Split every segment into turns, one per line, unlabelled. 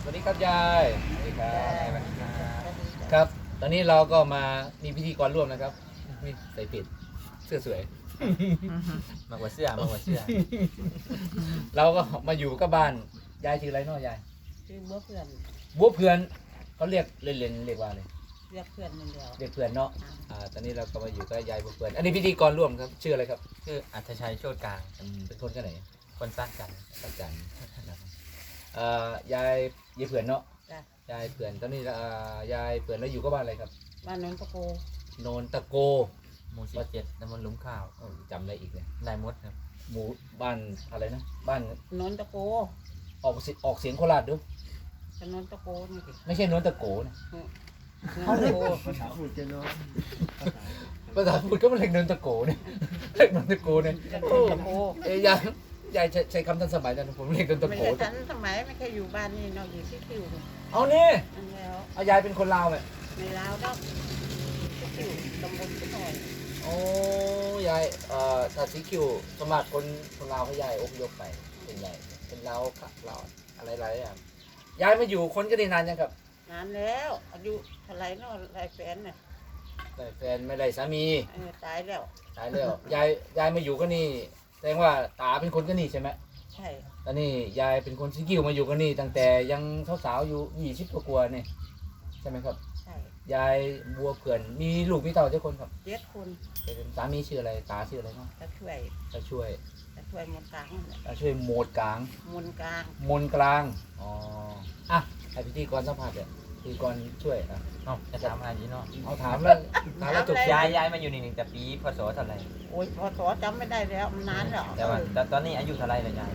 วัสดีครับยายสวัสดีครับครับตอนนี้เราก็มามีพิธีกรร่วมนะครับนี่ใส่ปิดเสื้อสวย
มากกว่าเสื้อมากกว่าเสื้อ
เราก็มาอยู่กับบ้านยายชื่ออะไรเนาะยาย
คือเมื่อเพื่อน
บัวเพื่อนเขาเรียกเล่นๆเรียกว่าอะไร
เรียกเพื่อนมันเดียว
เรียกเพื่อนเนาะตอนนี้เราก็มาอยู่กับยายบัวเพื่อนอันนี้พิธีกรร่วมครับชื่ออะไรครับ
ชื่ออัธชัยโชติกลาง
เป็นคนกันไหน
คนซักกัน
สักจันทร์นะครับยายเพื่อนเนาะ
จ้ะ
ยายเพื่อนตอนนี้ยายเพื่อนแล้วอยู่กับบ้านอะไรครับ
บ้านนนทโก
โนนตะโก
หมู่17ตำบลหลุมข้าว
จำอะไรอีกเลย
นายมดครับ
หมู่บ้านอะไรนะบ้าน
นนทโก
ออกเสียงโคราชดู
ถนนตะโกนี่สิ
ไม่ใช่โนนตะโกนะ
นนทโก
ภาษาพูดจะเนาะ
ภาษาพูดก็มันเรียกโนนตะโกเนี่ยเรียกโนนตะโกเนี่ย
ถนนตะโก
ยายใช้คำทันสมัยนะผมเรียกโนนตะ
ไม่
โก
ใช่ทันสมัยไม่เคยอยู่บ้านนี่เนาะอยู่ที่คิวนี่
เอานี่
อันแล้ว
เอายายเป็นคนลาวไหม
ในลาวเนาะที่คิวตำบลที่หน่อย
โอ้ยายถ้าสีคิวสมัครคนลาวเขายายอพยพไปเป็นใหญ่เป็นลาวค่ะลาวอะไรหลายอย่างยายมาอยู่คนก็ได้นานยังครับ
นานแล้วอายุเท่าไหรเนาะหลายแฟนน่ะ
ได้แฟนไม่ได้สามี
ตายแล้ว
ตายแล้วยายมาอยู่ก็นี่แสดงว่าตาเป็นคนก็นี่ใช่ไหม
ใช่
ตอนนี้ยายเป็นคนสีคิวมาอยู่ก็นี่ตั้งแต่ยังสาวๆอยู่20กว่าๆนี่ใช่ไหมครับ
ใช่
ยายบัวเผื่อนมีลูกมีเต่าเจ้าคนครับ
7 คน
เป็นสามีชื่ออะไรตาชื่ออะไรเนาะ
จะช่วย
ตาช่วย
หมดกลางนั่นแหละ
ตาช่วยโหมดกลาง
มนกลาง
มนกลางอ๋ออ่ะให้พิธีกรสัมภาษณ์เนี่ยพิธีกรช่วยนะ
เอ้าจะถามอะไรนี้เนาะ
เอาถามแล้วจบ
ย้ายมาอยู่นี่แต่ปีพศเท่าไหร่
โอ้ยพอสอจำไม่ได้แล้วมันนานแล้ว
แต่ว่าตอนนี้อายุเท่าไหร่แล้วยาย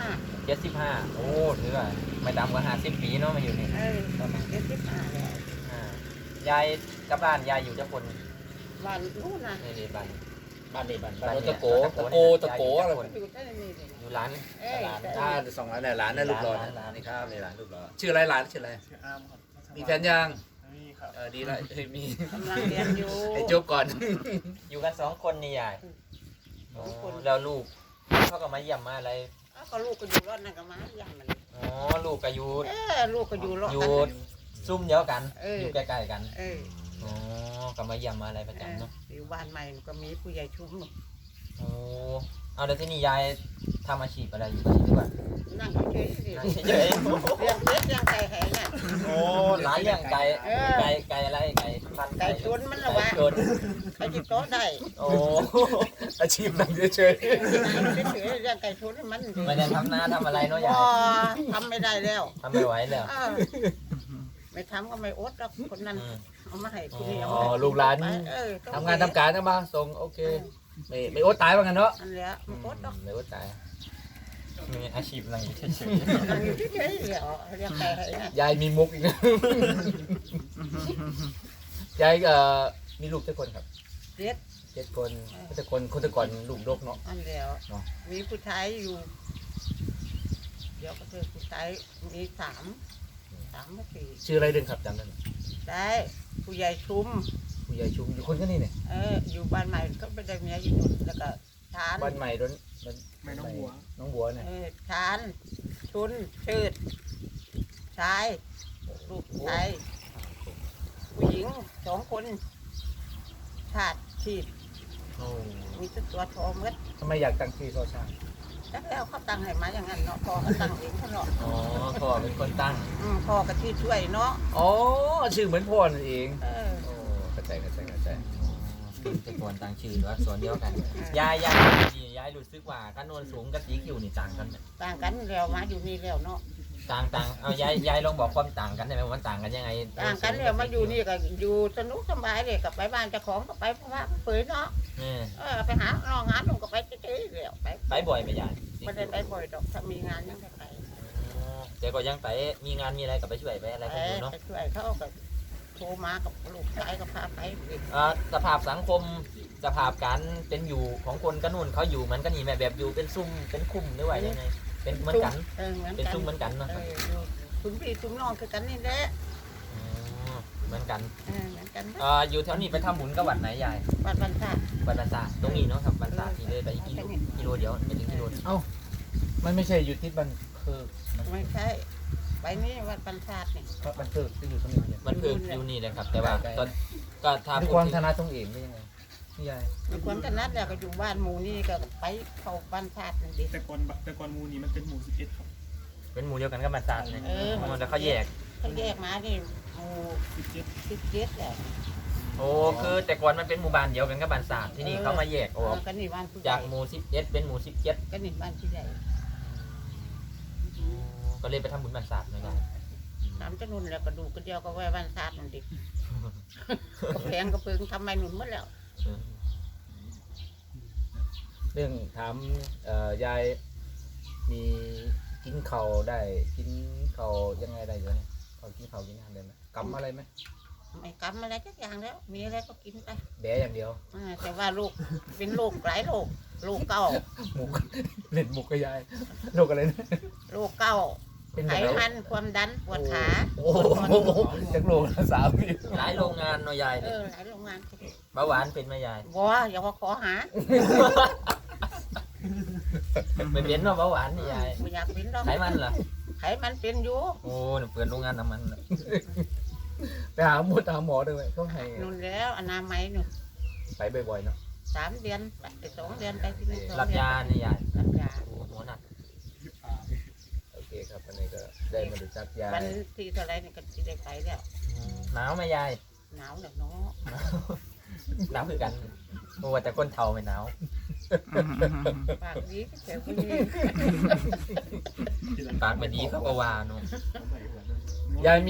75
75โอ้ถือว่าไม่ต่ำกว่า50 ปีเนาะมาอยู่นี่
ประมาณ75แล้ว
ยายกับบ้านยายอยู่จะคน
วันนู้นนะ
นี่บ้าน
บ้านนี้บ้าน
บ้านเนี่ย
ตะโกอะไร
อยู่ได้นี่เลย
อยู่ร้าน
เอ้ย
ร้านสองร้านเนี่ยร้านนั่นรูปหล่อ
ร้าน
นี่ครับในร้านรูปหล่อชื่ออะไรร้านชื่ออะไร
ชื่ออาร์มครับ
มีแฟนยัง
นี่ครับ
ดีแล้วมี
กำลังเรียนอยู่
ให้จบก่อน
อยู่กัน2 คนนี่ยาย
สองคน
แล้วลูกเขาก็มาเยี่ยมมาอะไร
อ้าวก็ลูกก็อยู่รอดนั่นก็มาย่างมัน
อ๋อลูกก็อยู่
ลูกก็อยู่รอด
อยู่
กัน
ซุ่มเดียวกัน
เออ
อ
อ
ยู่ใกล้ๆกัน
เออ
อ๋อก็มาเยี่ยมมาอะไรประจำเนาะ
อยู่บ้านใหม่ก็มีผู้ใหญ่ชุม
โอ้เอาแล้วที่นี่ยายทำอาชีพอะไรอยู่ที่นี่ดีกว่า
นั่งเฉยๆสิ
นั่งเฉย
เลี้ยงเพชรเลี้ยงไก่แห่เนี่ย
ๆโอ้ร้านเลี้ยงไก่
เออ
ไก่อะไรไก่พันธุ์
ไก่ชนมันละวะ
ไก่ชน
ไก่จิบโต๊ะได้
โอ้
อาชีพนั่งเฉย
เฉยๆเลี้ยงไก่ชนให้มัน
ไม่ได้ทำนาทำอะไรเนาะยา
พ
ย
อทำไม่ได้แล้ว
ทำไม่ไหวแล้ว
เออไม่ทำก็ไม่อดหรอกคนนั้น
อืม
เอามาให้คุณนี่
ๆ
เอา
อ๋อ
มาให้
ลูกหลาน
เออต้อ
ทำงานทำการนะมาส่งโอเคไม่อดตายว่างั้นเนาะ
อันเนี้ยมันอดหรอก
ไม่อดตาย
มีอาชีพอะไรอยู่เฉย
นั่งอยู่เฉยๆเดี๋ยวเลี้ยงไก่ให้เนี่ย
ยายมีมุกอีกนะ ยายมีลูกเจ็ดคนครับ
เด็ด
7 คนแต่คนลูกดกเนาะ
อันเดียว
เนาะ
มีผู้ชายอยู่ เดี๋ยวก็คือผู้ชายมีสามไม่สี่
ชื่ออะไรเดินครับจำได้ไหม
ได้ผู้ใหญ่ชุม
ผู้ใหญ่ชุมอยู่คนก็นี่เนี่ย
อยู่บ้านใหม่ก็ไปได้เมียอยู่นู่นแล้วก็ชาน
บ้านใหม่โดน
ไม่น้องหัว
น้องบัวเนี่ย
ชานชุนชืดชายลูกชายผู้หญิง2 คนชาติชีพ
โอ้
มีตัวทอมืด
ทำไมอยากตั้งชื่อโซชา
แล้วเขาตั้งให้มาอย่างนั้นเนาะพ่อเขาตั้งเองเขาเนาะ
ๆอ๋อพ่อเป็นคนตั้ง
พ่อก็ที่ช่วยเนาะ
อ๋อชื่อเหมือนพ่อนั่นเอง
เออ
โอ้เข้าใจ
เป็นคนตั้งชื่อหรือว่าส่วนเดียวกันยายรู้สึกว่าการโนนสูงกับสีคิวนี่ต่างกันไหม
ต่างกันแล้วมาอยู่นี่แล้วเนาะ
ต่างเอายายลองบอกความต่างกันได้ไหมว่ามันต่างกันยังไง
ต่างกันแล้วมาอยู่นี่ก็อยู่สนุกสบายเลยกับไปบ้านเจ้าของก็ไปเพราะว่าเผยเนาะ ไปหาน้องงานลงก็ไปเฉยๆแล้วไป
ไปบ่อยไหมยาย
ไม่ได้ไปบ่อยดอกถ้ามีงานยังไปไป
แต่ก็ยังไปมีงานมีอะไรก็ไปช่วยไปอะไร
ไป
กันอยู่เนาะ
ไปช่วยเขาก็โทรมากับลูกชายก็พาไปอีก
สภาพสังคมสภาพการเป็นอยู่ของคนกระนุ่นเขาอยู่เหมือนกันนี่แม่แบบอยู่เป็นซุ่มเป็นคุ้มหรือว่ายังไงเป็นเหมือนกัน
เหมือน
เป็น
กัน
ซุ่มเหมือนกันเนาะ
อยู่คุณพี่คุณน้องคือกันนี่แหละ
เหมือนกัน
เหมือนกัน
อยู่แถวนี้ไปทำบุญกับวัดไหนยาย
บ้านบรรทัด
วัดบรรษาตรงนี้เนาะครับบรรษาที่เลยไปกิโลเดียวไปถึงกิโล
มันไม่ใช่อยู่ที่บันคือ
ไม่ใช่ไปนี่วัดบรรทัดนี่
ครับมันเพิกที่อยู่ตรงนี้เนี่ย
มันคืออยู่นี่เลยครับ แต่ว่าก็ถ้า
ใน
พู
ค
ด
วาม
ถึง
ธนาตรงเองเป็นยังไงนี่ยาย
มีคนกันนัดแล้วก็อยู่บ้านหมู่นี่ก็ไปเข้าบรรทัดนี่ดิ
แต่ก่อนหมูนี่มันเป็นหมู11ครับ
เป็นหมู่เดียวกันก็มาตัดเลย
เออ
แล้วเขาแยก
เขาแยกมานี่หมู่
17
17แหละ
โอ้คือแต่ก่อนมันเป็นหมู่บ้านเดียวกันกับบ้านสามที่นี่เขามาแยกออก
ก็นี่บ้านผู้ให
จา
ญ่
กหมู่11เป็นหมู่17
ก็นี่บ้านผู้ใหญ่
ก็เลยไปทำบุญบ้านสามเลยครับ
ถามเจ้านุ่นแล้วก็ดูก็เดียวก็ไว้บรรทัดนั่นดิก็แพงก็เพิงทำไมหนุนหมดแล้ว
เรื่องถามยายมีกินข้าวได้กินข้าวยังไงได้อยู่เนี่ยเขากินข้าวกินอาหารได้ไหมกำอะไรไหม
ไม่กำอะไรสักอย่างแล้ว มีอะไรก็กินไป
แบะอย่างเดียว
แต่ว่าลูกเป็นโรคหลายโรคโรคเก้า
หมุก เล่นหมุกกับยายโรคอะไรนะ
โรคเก้า
เป็น
ไข
แบบ
มันความดันปวดขา
โอ้โหจากโรคละสามปี
หลายโรงงานเนาะยาย
หลายโรงงาน
เบาหวานเป็นไหมยาย
บัวอย่าว่าขอหา
ไม่เป็นเนาะเบาหวานนี่ยาย
ไม่อยากเป็นหรอก
ไขมันเหรอ
ไขมันเป็นอยู่
โอ้หนูเปิดโรงงานน้ำมันน่ะ
ไปหาหมอด้วยไหมเขาให้
นู่นแล้วอนามัยนู่น
ไปบ่อยๆเนาะ
3 เดือนไป2 เดือนไปที่นี่
รับยานี่ยาย
รับยา
โอ้หัวหนัก
โอเคครับวันนี้ก็ได้มาดูจักยา
วันที่เท่าไรนี่ก็จะได้ไปแล้ว
หนาวไหมยาย
หนาวแล้วเนาะ
หนาวคือกันโอ้แต่คนเฒ่าไม่หนาว
ปากดีก็เจ๋อคนนี้
ปากไม่ดีเขาก็ว่าเนาะ
ยาย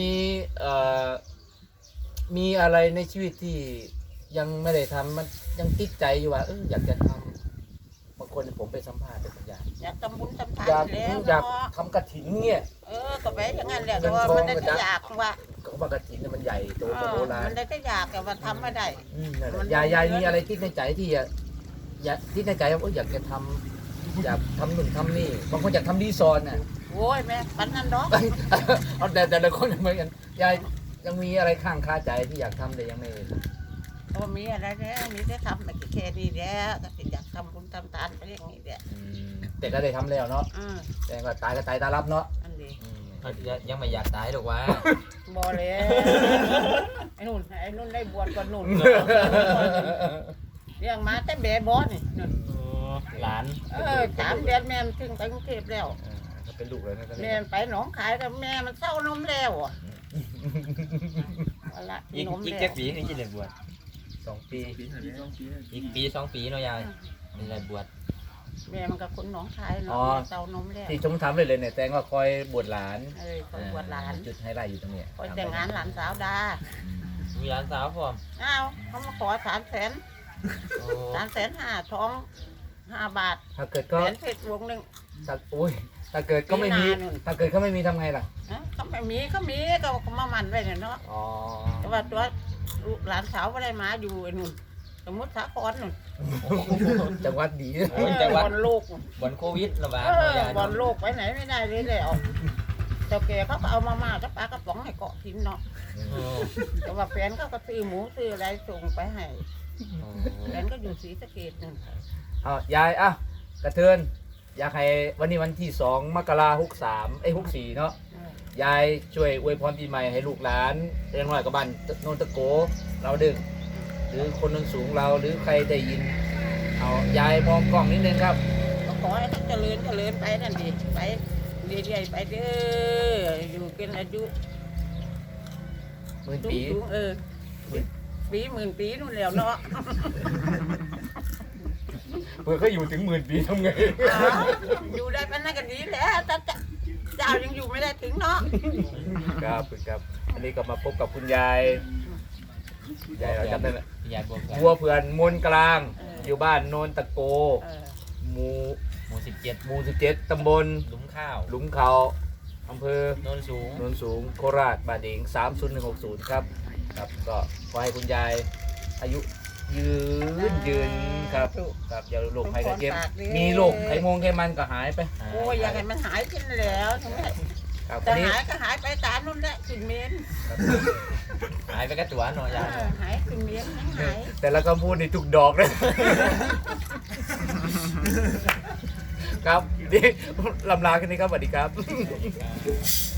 มีอะไรในชีวิตที่ยังไม่ได้ทำมันยังติดใจอยู่ว่าอยากจะทำบางคนผมไปสัมภาษณ์เป็นสัญญาณ
อยากทำบุญทำทาน
อยาก
แล้ว
อยาก
เนาะ
ทำกระถินเนี่ย
ก็ไปอย่างนั้นแหละแต่ว่ามันได้แต่อยากว่า
ก็ว่ากระถินเนี่ยมันใหญ่โตกว่าโบราณ
มันได้แต่อยากแต่ว่าทำไม่ได้
นั่นแหละ
มัน
ยายมีอะไรคิดในใจที่อยากคิดในใจว่าอยากจะทำอยากทำหนึ่งทำนี่บางคนอยากทำรีสอร์ทน่ะ
โว้ยแม่ปันนั้นดอก
เอาแต่ละคนเหมือนกันยายยังมีอะไรข้างคาใจที่อยากทำแต่ยังไม่
ก็มีอะไรแล้วมีแต่ทำแต่แค่นี้แหละก็สิอยากทำบุญทำทานไปอย่างนี้แหละ
แต่ก็ได้ทำแล้วเนาะ แต่ก็ตายก็ตายตารับเนาะ
อันนี้
ยังไม่อยากตายหรอกว่า
บ่เลยไอ้นุ่นได้บวชก่อนนุ่นเลี้ยงมาแต่แบบอนี่นุ่น
หลาน
3 เดือนแม่มันถึงไปกรุงเทพแล้ว
ก็เป็นลูกเลยนะ
แม่มันไปหนองคายแล้วแม่มันเศร้านมแล้วอ่ะเอาละ
อีก
นม
อีก
แล้
แค่
ว
ปีนึงจะได้บวช
2 ปี
อีกปี2 ปีเนาะยายนี่ได้บวช
แม่มันก็คนหนองคายเนาะเศร้านมแล้ว
ที่ชมทำเลยเนี่ยแต่ว่าคอยบวชหลาน
คนบวชหลาน
จุดไฮไลท์อยู่ตรงเนี้ย
คอยแต่งงานหลานสาวดา
มีหลานสาวพร้อม
อ้าวเขามาขอ300,000
โอ้
350,000ท้อง5 บาท
ถ้าเกิด
แห
ก็
วนเพชรวงหนึ่ง
ถ้าเกิดก็ไม่มี
ปีหน้านู่น
ถ้าเกิดก็ไม่มีทำไงล่ะ
เขาไม่มีก็มามันไว้เนี่ยเนาะ
อ๋อ
แต่ว่าตัวหลานสาวไม่ได้มาอยู่ไอ้นู่นสมมติสาครนู่น
จังหวัดดี
บอลโลก
บนโควิดระบาด
เอ
เนาะ
อย
าย
บอลโลกไปไหนไม่ได้เลยแล้วเจ้าแก่เขาก็เอามาม่ากับปลากระป๋องให้เกาะทิ้งเนาะ
โอ้
แต่ว่าแฟนเขาก็ซื้อหมูซื้ออะไรส่งไปให้แฟนก็อยู่ศรีสะเกษนั่น
ยายกระเทือนอยากให้วันนี้วันที่2 มกราคม 64เนาะยายช่วยอวยพรปีใหม่ให้ลูกหลานเรียนน้อยกับบ้านโนนตะโกเราดึงหรือคนโนนสูงเราหรือใครได้ยินเอายายมองกล้องนิดนึงครับ
ก็ขอให้เขาเจริญไปนั่นดิไปเรื่อยๆไปเด้ออยู่เป็นอายุ
หมื่น
สู
ปี
งปีหมื่นปีนู่นแล้วเนาะ
เพื่อเขาอยู่ถึง10,000 ปีทำไง
อยู่ได้เป็นนักกันดีแหล้วแต่เจ้ายังอยู่ไม่ได้ถึงเนาะ
ครับอันนี้ก็มาพบกับคุณยายเราจำได้ไหม
ยายบวช
บัวเผื่อนมนกลางอยู่บ้านโนนตะโกหมู่
หมู่17
หมู่17ตำบล
หลุมข้าว
หลุมเขาอำเภอ
โนนสูง
โนนสูงโคราชบาดเอง30160ครับก็ขอให้คุณยายอายุยืนครับอย่าโรคภัยไข้เจ็บมีโรคไข้ไขมันก็หายไป
โอ้ยอยากให้มันหายขึ้นแล้วถึงแม้
ครับ
แต่
วันนี้
หายก็หายไปตามนู่นแหละขึ้นเมน
หายไปกับตัวเนาะยาย
หายขึ้นเมนยังหาย
แต่ละคำพูดนี่ถูกดอกเลย ครับนี่ลำลาแค่นี้ครับสวัสดีครับ